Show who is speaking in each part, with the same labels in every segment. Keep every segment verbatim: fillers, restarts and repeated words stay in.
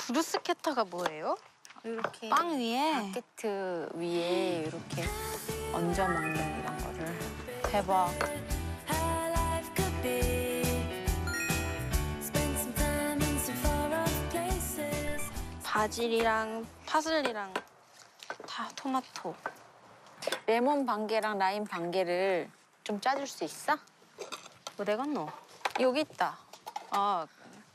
Speaker 1: 브루스케타가 뭐예요?
Speaker 2: 이렇게
Speaker 1: 빵 위에?
Speaker 2: 바게트 위에 이렇게 얹어 먹는 이런 거를.
Speaker 1: 대박. 바질이랑 파슬리랑 다 토마토.
Speaker 2: 레몬 반개랑 라임 반개를 좀 짜줄 수 있어?
Speaker 1: 어디 갔노?
Speaker 2: 여기 있다.
Speaker 1: 아,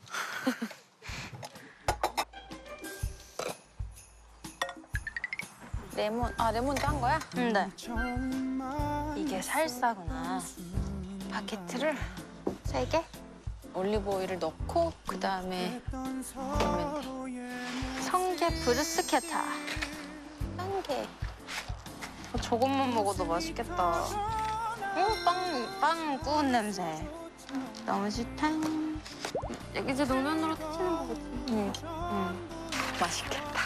Speaker 2: 레몬, 아 레몬도 한 거야?
Speaker 1: 근데 이게 살사구나. 바게트를 세 개?
Speaker 2: 올리브 오일을 넣고 그 다음에 넣으면 돼.
Speaker 1: 성게 브루스케타.
Speaker 2: 한개
Speaker 1: 어, 저것만 먹어도 맛있겠다. 어, 빵, 빵 구운 냄새. 너무 좋다. 이제 노면으로 터지는 거겠지?
Speaker 2: 응.
Speaker 1: 응.
Speaker 2: 맛있겠다.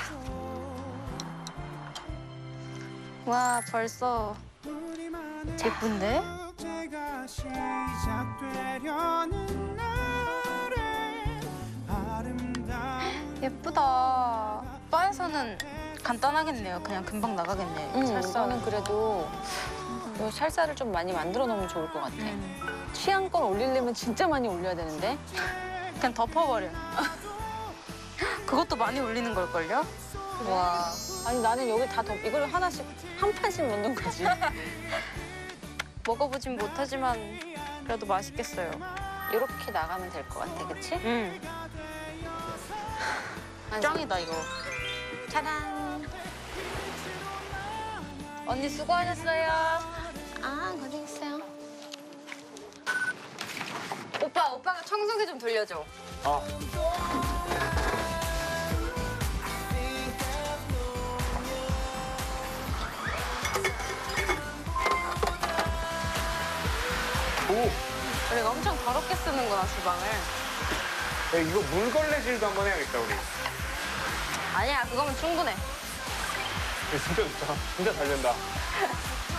Speaker 1: 와, 벌써 예쁜데? 예쁘다. 바에서는 간단하겠네요. 그냥 금방 나가겠네.
Speaker 2: 응,
Speaker 1: 살사.
Speaker 2: 이거는 그래도 요 살사를 좀 많이 만들어 놓으면 좋을 것 같아.
Speaker 1: 음.
Speaker 2: 취향껏 올리려면 진짜 많이 올려야 되는데.
Speaker 1: 그냥 덮어버려. 그것도 많이 올리는 걸걸요? 와.
Speaker 2: 아니 나는 여기 다 덮, 이걸 하나씩 한 판씩 넣는 거지.
Speaker 1: 먹어보진 못하지만 그래도 맛있겠어요.
Speaker 2: 이렇게 나가면 될 것 같아, 그치?
Speaker 1: 음. 짱이다, 이거.
Speaker 2: 짜란.
Speaker 1: 언니 수고하셨어요.
Speaker 2: 아, 고생했어요.
Speaker 1: 오빠, 오빠가 청소기 좀 돌려줘.
Speaker 3: 아. 오!
Speaker 1: 우리가 엄청 더럽게 쓰는구나, 주방을.
Speaker 3: 야, 이거 물걸레질도 한번 해야겠다, 우리.
Speaker 1: 아니야, 그거면 충분해.
Speaker 3: 이거 진짜 좋다. 진짜 잘 된다.